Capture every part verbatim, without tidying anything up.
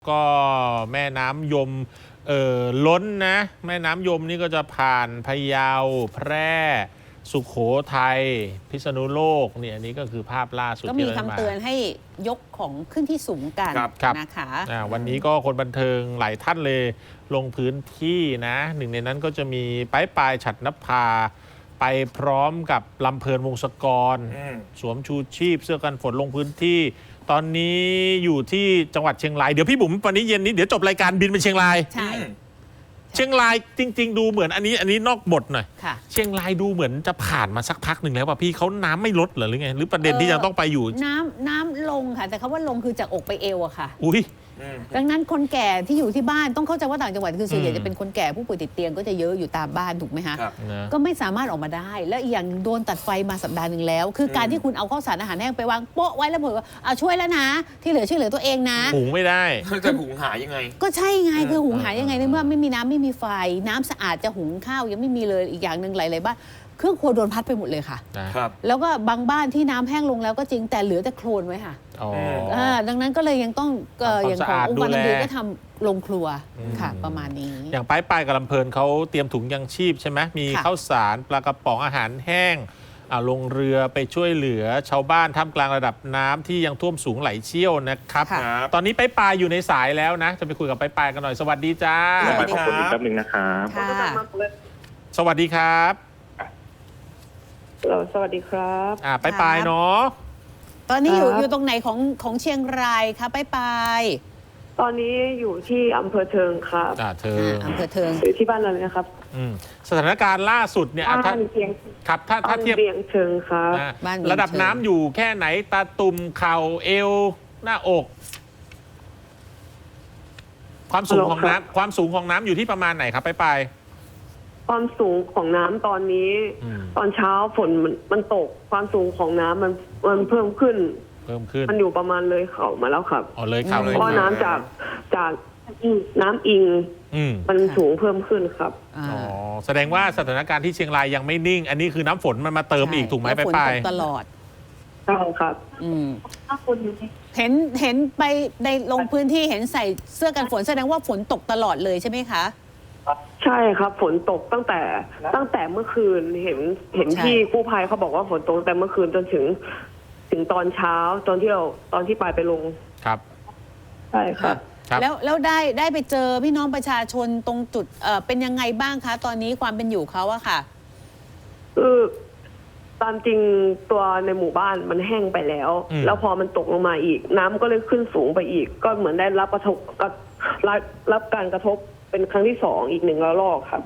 ก็แม่น้ำยมเอ่อล้นนะแม่น้ำยมนี่ก็จะผ่านพะเยาแพร่สุโขทัยพิษณุโลกเนี่ยอันนี้ก็คือภาพล่าสุดก็มีคำเตือนให้ยกของขึ้นที่สูงกันนะคะวันนี้ก็คนบันเทิงหลายท่านเลยลงพื้นที่นะหนึ่งในนั้นก็จะมีป้ายปลายฉัตรนภาไปพร้อมกับลำเพลินวงศกรสวมชูชีพเสื้อกันฝนลงพื้นที่ตอนนี้อยู่ที่จังหวัดเชียงรายเดี๋ยวพี่บุ๋มวันนี้เย็นนี้เดี๋ยวจบรายการบินไปเชียงรายใช่เชียงรายจริงๆดูเหมือนอันนี้อันนี้นอกบทหน่อยเชียงรายดูเหมือนจะผ่านมาสักพักหนึ่งแล้วป่ะพี่เขาน้ำไม่ลดเหรอหรือไงหรือประเด็นที่ยังต้องไปอยู่น้ำน้ำลงค่ะแต่คำว่าลงคือจากอกไปเอวอะค่ะอุ้ยดังนั้นคนแก่ที่อยู่ที่บ้านต้องเข้าใจว่าต่างจังหวัดคือส่วนใหญ่จะเป็นคนแก่ผู้ป่วยติดเตียงก็จะเยอะอยู่ตามบ้านถูกไหมคะก็ไม่สามารถออกมาได้และอีกอย่างโดนตัดไฟมาสัปดาห์หนึ่งแล้วคือการที่คุณเอาข้าวสารอาหารแห้งไปวางโป๊ะไว้แล้วบอกว่าเอาช่วยแล้วนะที่เหลือช่วยเหลือตัวเองนะหุงไม่ได้จะหุงหายังไงก็ใช่ไงคือหุงหายังไงในเมื่อไม่มีน้ำไม่มีไฟน้ำสะอาดจะหุงข้าวยังไม่มีเลยอีกอย่างหนึ่งหลายๆบ้านเครื่องครัวโดนพัดไปหมดเลยค่ะครับแล้วก็บางบ้านที่น้ำแห้งลงแล้วก็จริงแต่เหลือแต่โคลนไว้ค่ะอ๋อดังนั้นก็เลยยังต้องอย่างขององค์การดีก็ทำลงครัวค่ะประมาณนี้อย่างป้ายปลายกับลำเพลินเขาเตรียมถุงยังชีพใช่ไหมมีข้าวสารปลากระป๋องอาหารแห้งลงเรือไปช่วยเหลือชาวบ้านท่ามกลางระดับน้ำที่ยังท่วมสูงไหลเชี่ยวนะครับตอนนี้ป้ายปลายอยู่ในสายแล้วนะจะไปคุยกับป้ายปลายกันหน่อยสวัสดีจ้าสวัสดีครับแป๊บนึงนะครับสวัสดีครับสวัสดีครับอ่าป้ายปลายเนาะตอนนี้อยู่อยู่ตรงไหนของของเชียงรายคะป้ายปลายตอนนี้อยู่ที่อำเภอเทิงครับอ่าเทิงอำเภอเทิงอยู่ที่บ้านเราเลยนะครับอืมสถานการณ์ล่าสุดเนี่ยบ้านเพียงครับถ้าถ้าเทียบเบียงเชิงครับระดับน้ำอยู่แค่ไหนตาตุ่มเข่าเอวหน้าอกความสูงของน้ำความสูงของน้ำอยู่ที่ประมาณไหนครับป้ายปลายความสูงของน้ำตอนนี้ตอนเช้าฝนมันมันตกความสูงของน้ำมันมันเพิ่มขึ้นเพิ่มขึ้นมันอยู่ประมาณเลยเข่ามาแล้วครับอ๋อเลยเข่าเลยเพราะน้ำจากจากน้ำอิงมันสูงเพิ่มขึ้นครับอ๋อแสดงว่าสถานการณ์ที่เชียงรายยังไม่นิ่งอันนี้คือน้ำฝนมันมาเติมอีกถูกไหมป้ายปลายตลอดใช่ครับอืมเห็นเห็นไปในลงพื้นที่เห็นใส่เสื้อกันฝนแสดงว่าฝนตกตลอดเลยใช่ไหมคะใช่ครับฝนตกตั้งแต่ตั้งแต่เมื่อคืนเห็นเห็นที่กู้ภัยเขาบอกว่าฝนตกตั้งแต่เมื่อคืนจนถึงถึงตอนเช้าตอนที่เราตอนที่ปลายไปลงครับใช่ครับแล้วแล้วได้ได้ไปเจอพี่น้องประชาชนตรงจุดเอ่อเป็นยังไงบ้างคะตอนนี้ความเป็นอยู่เขาอะค่ะคือตามจริงตัวในหมู่บ้านมันแห้งไปแล้วแล้วพอมันตกลงมาอีกน้ำก็เลยขึ้นสูงไปอีกก็เหมือนได้รับกระทบรับรับการกระทบเป็นครั้งที่สองอีกหนึ่งระลอกครับ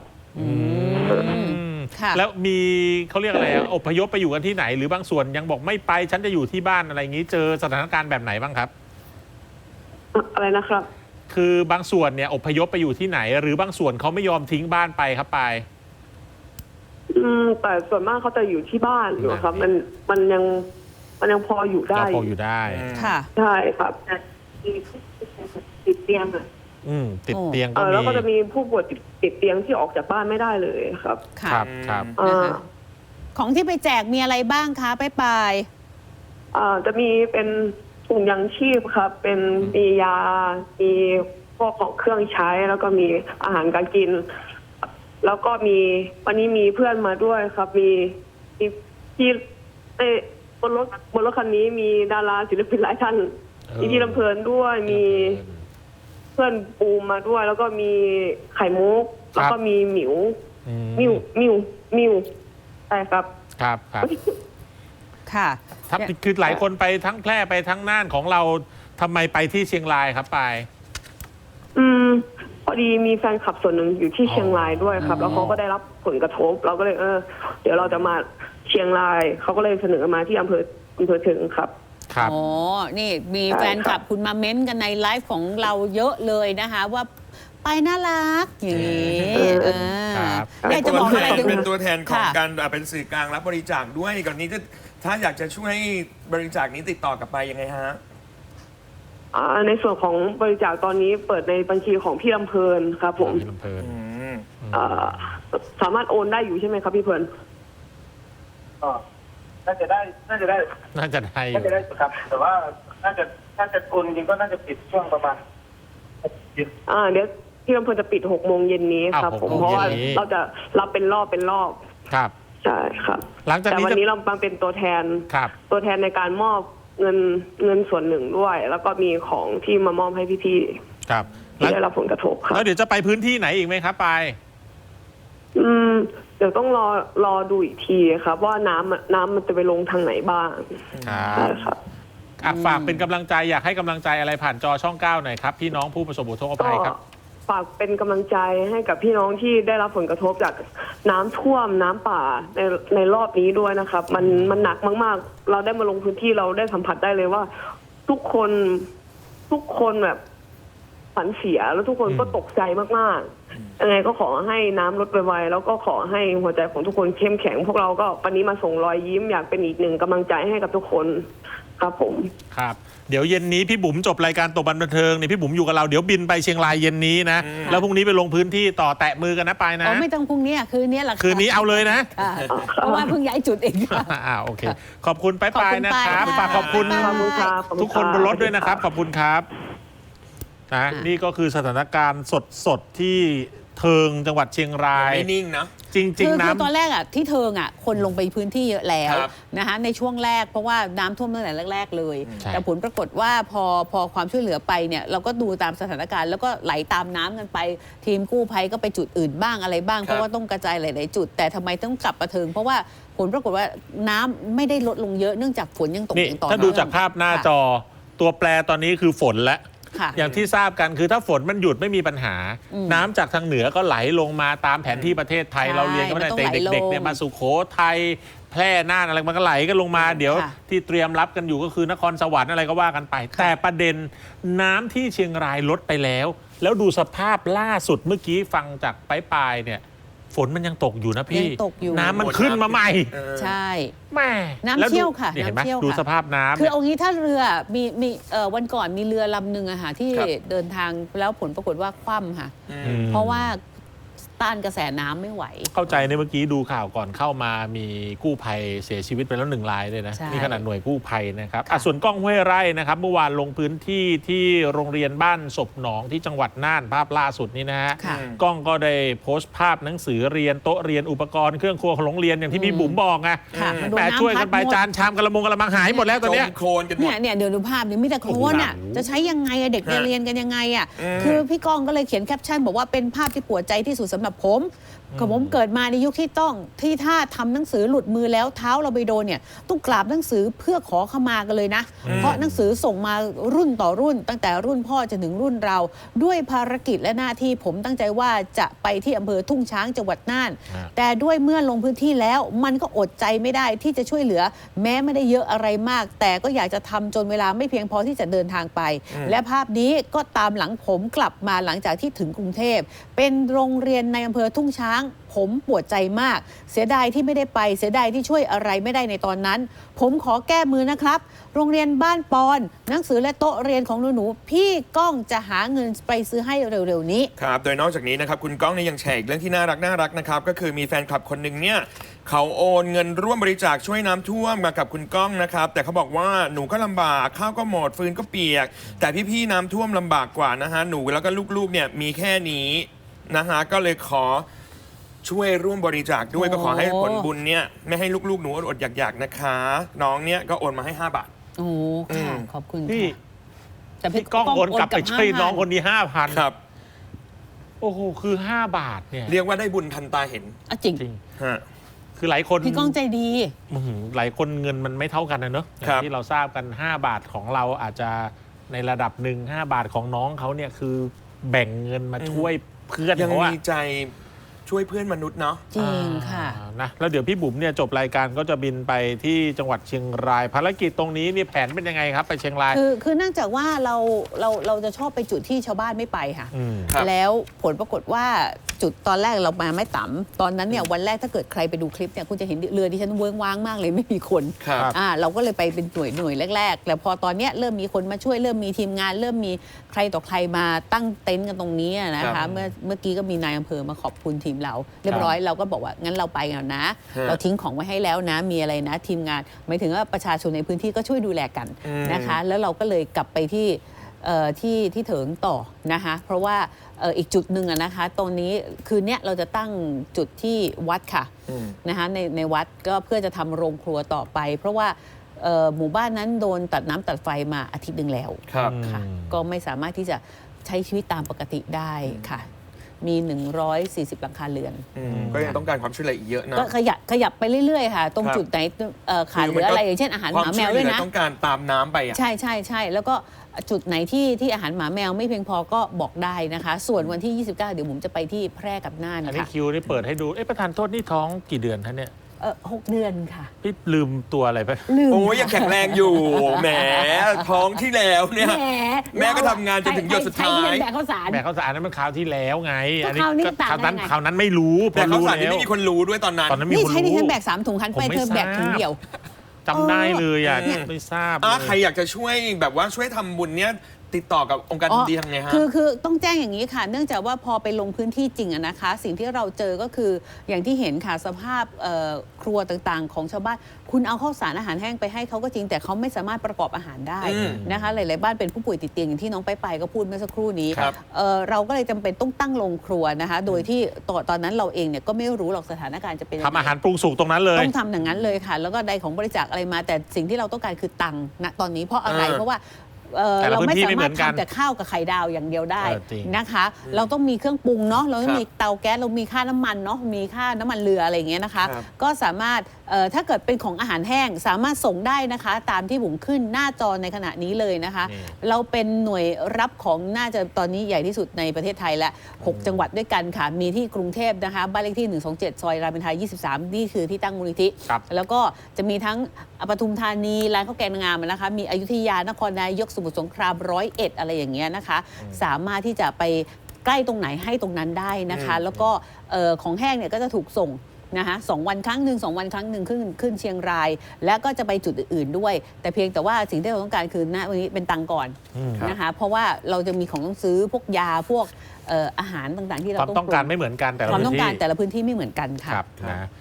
แล้วมีเขาเรียกอะไรอพยพไปอยู่กันที่ไหนหรือบางส่วนยังบอกไม่ไปฉันจะอยู่ที่บ้านอะไรอย่างนี้เจอสถานการณ์แบบไหนบ้างครับอะไรนะครับคือบางส่วนเนี่ยอพยพไปอยู่ที่ไหนหรือบางส่วนเขาไม่ยอมทิ้งบ้านไปครับไปอืมแต่ส่วนมากเขาจะอยู่ที่บ้านอยู่ครับมันมันยังมันยังพออยู่ได้พออยู่ได้ค่ะใช่ครับติดเตียงอ่ะอืมติดเตียงก็มีแล้วก็จะมีผู้ป่วยติดเตียงที่ออกจากบ้านไม่ได้เลยครับครับครับของที่ไปแจกมีอะไรบ้างคะป้ายปลายอ่าจะมีเป็นถุงยังชีพครับเป็นมียามีพวกของเครื่องใช้แล้วก็มีอาหารการกินแล้วก็มีวันนี้มีเพื่อนมาด้วยครับมีมีที่เอ้บนรถบนรถคันนี้มีดาราศิลปินหลายท่านมีที่ลำเพลินด้วยมีเพื่อนปูมาด้วยแล้วก็มีไข่มุกแล้วก็มีหมิวมิวมิวมิวใช่ครับครับครับค่ะทับคือหลายคนไปทั้งแพร่ไปทั้งน่านของเราทำไมไปที่เชียงรายครับไปอืมพอดีมีแฟนคลับส่วนหนึ่งอยู่ที่เชียงรายด้วยครับแล้วเขาก็ได้รับผลกระทบเราก็เลยเออเดี๋ยวเราจะมาเชียงรายเขาก็เลยเสนอมาที่อำเภออำเภอถึงครับครับอ๋อนี่มีแฟนคลับคุณมาเม้นกันในไลฟ์ของเราเยอะเลยนะคะว่าไปน่ารักอย่างนี้อยากจะบอกอะไรเป็นตัวแทนของการเป็นสื่อกลางรับบริจาคด้วยก่อนนี้จะถ้าอยากจะช่วยบริจาคนี้ติดต่อกลับไปยังไงฮะในส่วนของบริจาคตอนนี้เปิดในบัญชีของพี่ลำเพลินครับผมพี่ลำเพลินสามารถโอนได้อยู่ใช่ไหมครับพี่เพลินก็น่าจะได้น่าจะได้น่าจะได้น่าจะได้ครับแต่ว่าน่าจะน่าจะโอนจริงก็น่าจะปิดช่วงประมาณอ่าเดี๋ยวที่อำเภอจะปิดหกโมงเย็นนี้ครับอ้าวผมหกโมงเพราะว่าเย็นนี้เราจะรับเป็นรอบเป็นรอบครับใช่ครับหลังจากแต่นี้วันจะนี้เรามาเป็นตัวแทนครับตัวแทนในการมอบเงินเงินส่วนหนึ่งด้วย แล้วก็มีของที่มามอบให้พี่ครับๆหลัที่งได้รับผลกระทบครับแล้วเดี๋ยวจะไปพื้นที่ไหนอีกไหมครับไปายอืมเดี๋ยวต้องรอรอดูอีกทีครับ ว่าน้ำอะน้ำมันจะไปลงทางไหนบ้างครัใช่บครับอ่ะฝากเป็นกำลังใจอยากให้กำลังใจอะไรผ่านจอช่องเก้าหน่อยครับพี่น้องผู้ประสบอุทกก็ภัยครับฝากเป็นกำลังใจให้กับพี่น้องที่ได้รับผลกระทบจากน้ำท่วมน้ำป่าในในรอบนี้ด้วยนะครับ มันมันหนักมากๆ เราได้มาลงพื้นที่เราได้สัมผัสได้เลยว่า ทุกคนทุกคนแบบฝันเสียแล้วทุกคนก็ตกใจมากๆยังไงก็ขอให้น้ำลดไวๆแล้วก็ขอให้หัวใจของทุกคนเข้มแข็ง พวกเราก็วันนี้มาส่งรอยยิ้มอยากเป็นอีกหนึ่งกำลังใจให้กับทุกคนครับผมครับ เดี๋ยวเย็นนี้พี่บุ๋มจบรายการตบบันบันเทิงเนี่ยพี่บุ๋มอยู่กับเราเดี๋ยวบินไปเชียงรายเย็นนี้นะแล้วพรุ่งนี้ไปลงพื้นที่ต่อแตะมือกันนะไปายนะอ๋อไม่ต้องพรุ่งนี้อะคืนนี้แหละะคืนนี้เอาเลยนะค่ะเพราะว่าเพิ่งย้ายจุดเองค่ะอ่าโอเค ขอบคุณไปไปายๆนะครับขอบคุณฝากขอบคุณไปายขอบคุณครับขอบณทุกคนบนรถด้วยนะครับ ขอบคุณครับนะนี่ก็คือสถานการณ์สดๆที่เทิงจังหวัดเชียงรายไม่นิ่งนะจริงคือๆคือตอนน้ำแรกอ่ะที่เทิงอ่ะคนลงไปพื้นที่เยอะแล้วครับนะคะในช่วงแรกเพราะว่าน้ำท่วมตั้งแต่แรก ๆ เลยใช่แต่ผลปรากฏว่าพอพอความช่วยเหลือไปเนี่ยเราก็ดูตามสถานการณ์แล้วก็ไหลตามน้ำกันไป ทีมกู้ภัยก็ไปจุดอื่นบ้างอะไรบ้างครับเพราะว่าต้องกระจายหลาย ๆ จุด แต่ทำไมต้องกลับมาเทิง เพราะว่าผลปรากฏว่าน้ำไม่ได้ลดลงเยอะเนื่องจากฝนยังตกนี่อย่างต่อถ้าเนื่องดูจากภาพหน้าจอตัวแปรตอนนี้คือฝนและค่ะอย่างที่ทราบกันคือถ้าฝนมันหยุดไม่มีปัญหาอืมน้ำจากทางเหนือก็ไหลลงมาตามแผนที่ประเทศไทยใช่เราเรียนกันมาตั้งแต่มันต้องไหลเด็กๆเนี่ยลงมาสุโขทัยแพร่น่านอะไรมันก็ไหลกันลงมา เดี๋ยวค่ะที่เตรียมรับกันอยู่ก็คือนครสวรรค์อะไรก็ว่ากันไป แต่ประเด็นน้ำที่เชียงรายลดไปแล้ว แล้วดูสภาพล่าสุดเมื่อกี้ฟังจากปลายๆเนี่ยฝนมันยังตกอยู่นะพี่ยังตกอยู่น้ำมันขึ้นมาใหม่เออใช่แม่น้ำแล้วดูเชี่ยวค่ะนี่เห็นไหมน้ำเชี่ยวดูค่ะสภาพน้ำคือเนี่ยเอางี้ถ้าเรือมีมีเอ่อวันก่อนมีเรือลำหนึ่งอะค่ะที่ครับเดินทางแล้วผลปรากฏว่าคว่ำค่ะอืมเพราะว่าต้านกระแสน้ำไม่ไหวเข้าใจในเมื่อกี้ดูข่าวก่อนเข้ามามีกู้ภัยเสียชีวิตไปแล้วหนึ่งรายเลยนะใช่นี่ขนาดหน่วยกู้ภัยนะครับค่ะอ่ะส่วนกล้องห้วยไร่นะครับเมื่อวานลงพื้นที่ที่โรงเรียนบ้านศพหนองที่จังหวัดน่านภาพล่าสุดนี้นะฮะค่ะกล้องก็ได้โพสต์ภาพหนังสือเรียนโต๊ะเรียนอุปกรณ์เครื่องครัวของโรงเรียนอย่างที่พี่บุ๋มบอกไงค่ะมันโดนแหม่น้ำช่วยกันไปพัดหมดจานชามกระมงกระมังหายหมดแล้วตอนเนี้ยจมโคลนกันหมเนี่ดยเนี่ยเดี๋ยวดูภาพนี่มีแต่โคลนอ่ะโอ้โหจะใช้ยังไงอะเด็กฮะเรียนกันยังไงอ่ะอืมคือพี่กองก็เลยเขียนแคปชั่นบอกว่าเป็นภาพที่ปวดใจที่สุดสำหรับผมคือผมเกิดมาในยุคที่ต้องที่ถ้าทำหนังสือหลุดมือแล้วเท้าเราไปโดนเนี่ยต้องกราบหนังสือเพื่อขอขมากันเลยนะ เพราะหนังสือส่งมารุ่นต่อรุ่น ตั้งแต่รุ่นพ่อจนถึงรุ่นเรา ด้วยภารกิจและหน้าที่ผมตั้งใจว่าจะไปที่อำเภอทุ่งช้างจังหวัดน่านฮะแต่ด้วยเมื่อลงพื้นที่แล้วมันก็อดใจไม่ได้ที่จะช่วยเหลือ แม้ไม่ได้เยอะอะไรมาก แต่ก็อยากจะทำจนเวลาไม่เพียงพอที่จะเดินทางไป และภาพนี้ก็ตามหลังผมกลับมาหลังจากที่ถึงกรุงเทพเป็นโรงเรียนในอำเภอทุ่งช้าง ผมปวดใจมาก เสียดายที่ไม่ได้ไป เสียดายที่ช่วยอะไรไม่ได้ในตอนนั้น ผมขอแก้มือนะครับ โรงเรียนบ้านปอน หนังสือและโต๊ะเรียนของหนูๆพี่ก้องจะหาเงินไปซื้อให้เร็วๆนี้ครับ โดยนอกจากนี้นะครับคุณก้องเนี่ยยังแชร์อีกเรื่องที่น่ารักน่ารักนะครับ ก็คือมีแฟนคลับคนหนึ่งเนี่ยเขาโอนเงินร่วมบริจาคช่วยน้ำท่วมมากับคุณก้องนะครับ แต่เขาบอกว่าหนูก็ลำบากข้าวก็หมดฟืนก็เปียก แต่พี่ๆน้ำท่วมลำบากกว่านะฮะหนูแล้วก็ลูกๆเนี่ยมีแค่นี้นะฮะก็เลยขอช่วยร่วมบริจาคด้วยโอ้ก็ขอให้ผลบุญเนี่ยไม่ให้ลูกๆหนูอดๆอยากๆนะคะ น้องเนี่ยก็โอนมาให้ห้าบาทโอ้ค่ะอืมขอบคุณพี่ค่ะแต่พี่ก้องโอนกลับไปช่วยน้องคนนนี้ห้าพันครับโอ้โหคือห้าบาทเนี่ยเรียกว่าได้บุญทันตาเห็นอ่ะจริงจริงฮะคือหลายคนพี่ก้องใจดีอื้อหือหลายคนเงินมันไม่เท่ากันนะเนอะอย่าครังบที่เราทราบกัน ห้า บาทของเราอาจจะในระดับหนึ่งห้าบาทของน้องเขาเนี่ยคือแบ่งเงินมาช่วยเพื่อนยังเขาอะมีใจช่วยเพื่อนมนุษย์เนาะจริงค่ะอ่านะแล้วเดี๋ยวพี่บุ๋มเนี่ยจบรายการก็จะบินไปที่จังหวัดเชียงราย ภารกิจตรงนี้นี่แผนเป็นยังไงครับ ไปเชียงรายคือคือเนื่องจากว่าเราเราเราจะชอบไปจุดที่ชาวบ้านไม่ไปค่ะอืมครับแล้วผลปรากฏว่าจุดตอนแรกเรามาไม่ต่ำตอนนั้นเนี่ยวันแรกถ้าเกิดใครไปดูคลิปเนี่ยคุณจะเห็นเรือที่ฉันเวิ้งว้างมากเลยไม่มีคนครับอ่าเราก็เลยไปเป็นหน่วยหน่วยแรกๆแต่พอตอนเนี้ยเริ่มมีคนมาช่วยเริ่มมีทีมงาน เริ่มมีใครต่อใครมาตั้งเต็นท์กันตรงนี้นะครัคะบเมื่อเมื่อกี้ก็มีนายอำเภอมาขอบคุณทีมเรา เรียบร้อยเราก็บอกว่างั้นเราไปกันนะฮะเราทิ้งของไว้ให้แล้วนะมีอะไรนะ ทีมงานหมายถึงว่าประชาชนในพื้นที่ก็ช่วยดูแลกันอืมนะคะ แล้วเราก็เลยกลับไปที่เอ่อที่ที่เถิงต่อนะคะเพราะว่าเอ่ออีกจุดหนึ่งอะนะคะตรงนี้คืนเนี้ยเราจะตั้งจุดที่วัดค่ะนะคะในในวัดก็เพื่อจะทำโรงครัวต่อไป เพราะว่าเอ่อหมู่บ้านนั้นโดนตัดน้ำตัดไฟมาอาทิตย์หนึ่งแล้วครับค่ะก็ไม่สามารถที่จะใช้ชีวิตตามปกติได้ค่ะมีหนึ่งร้อยสี่สิบหลังคาเรือนอืมก็ยังต้องการความช่วยเหลืออีกเยอะนะก็ขยับขยับไปเรื่อยๆค่ะตรงครับจุดไหนเอ่อขาดเหลืออะไรอย่างเช่นอาหารหมาแมวด้วยนะความช่เหลือต้องการตามน้ำไปอ่ะใช่ใช่ใช่แล้วก็จุดไหนที่ที่อาหารหมาแมวไม่เพียงพอก็บอกได้นะคะ ส่วนวันที่ ยี่สิบเก้า เดี๋ยวผมจะไปที่แพร่กับน่านอันนี้ค่ะคิวนี่เปิดให้ดูเอ๊ะประธานโทษนี่ท้องกี่เดือนท่านเนี่ยเออหกเดือนค่ะพี่ลืมตัวอะไรไปลืมโอ้ยยังแข็งแรงอยู่แหมท้องที่แล้วเนี่ยแหมแม่ก็ทำงานจนถึงหยดสุดท้ายใช้เงินแบกข้าวสารแม่เขาวสารนั้นมันคราวที่แล้วไงก็อันนี้คราวนี้ก็ต่างคราวนั้นกันไงคราวนั้นไม่รู้พแต่อเขารู้สารนี่แล้วไม่มีคนรู้ด้วยตอนนั้นตอนนั้นมีนี่คนใช้ดิฉันรู้แบกสามถุงคันไปผมไม่เธอแบกถุงทราบเดียวจำได้เลยอ่ะอืมไม่ทราบอ่ะเลยใครอยากจะช่วยแบบว่าช่วยทำบุญเนี้ยติดต่อกับองค์การอ๋อดีทำไงฮะคือคือต้องแจ้งอย่างนี้ค่ะ เนื่องจากว่าพอไปลงพื้นที่จริงอะนะคะ สิ่งที่เราเจอก็คืออย่างที่เห็นค่ะสภาพเอ่อครัวต่างๆ ของชาวบ้าน คุณเอาข้าวสารอาหารแห้งไปให้เขาก็จริงแต่เขาไม่สามารถประกอบอาหารได้อืมนะคะหลายๆบ้านเป็นผู้ป่วยติดเตียงอย่างที่น้องไปไปก็พูดเมื่อสักครู่นี้ครับเอ่อเราก็เลยจำเป็นต้องตั้งโรงครัวนะคะ โดยที่ตอนตอนนั้นเราเองเนี่ยก็ไม่รู้หรอกสถานการณ์จะเป็นยังไงทำอาหารปรุงสุกตรงนั้นเลยต้องทำอย่างนั้นเลยค่ะ แล้วก็ใดของบริจาคอะไรมา แต่สิ่งที่เราต้องการคือตังค์ณตอนนี้เพราะอะไรเออเพราะว่าเอ่อแต่ละเราไม่พื้นที่สาไม่เหมารมืถอนกันทำแต่ข้าวกับไข่ดาวอย่างเดียวได้เออจริงนะคะ เราต้องมีเครื่องปรุงเนาะเราต้องครับมีเตาแก๊สเรามีค่าน้ำมันเนาะมีค่าน้ำมันเรืออะไรอย่างเงี้ยนะคะครับก็สามารถเอ่อถ้าเกิดเป็นของอาหารแห้งสามารถส่งได้นะคะ ตามที่ผมขึ้นหน้าจอในขณะนี้เลยนะคะนี่เราเป็นหน่วยรับของน่าจะตอนนี้ใหญ่ที่สุดในประเทศไทยและหกจังหวัดด้วยกันค่ะมีที่กรุงเทพนะคะบ้านเลขที่หนึ่งสองเจ็ดซอยรามอินทรายี่สิบสามนี่คือที่ตั้งมูลนิธิครับแล้วก็จะมีทั้งปทุมธานีร้านข้าวแกงนางงามนะคะ มีอยุธยานครนายกสมุทรสงครามร้อยเอ็ดอะไรอย่างเงี้ยนะคะ สามารถที่จะไปใกล้ตรงไหนให้ตรงนั้นได้นะคะ แล้วก็เอ่อของแห้งเนี่ยก็จะถูกส่งนะคะสองวันครั้งหนึ่งสองวันครั้งหนึ่งขึ้นขึ้นเชียงราย แล้วก็จะไปจุดอื่นๆด้วย แต่เพียงแต่ว่าสิ่งที่เราต้องการคือณวันนี้เป็นตังค์ก่อนอืมนะคะ เพราะว่าเราจะมีของต้องซื้อพวกยาพวกเอ่ออาหารต่างๆที่เราความต้องต้องการปไม่เหมือนกันแต่ละความพื้ต้องนการที่แต่ละพื้นที่ไม่เหมือนกันค่ะครับนะ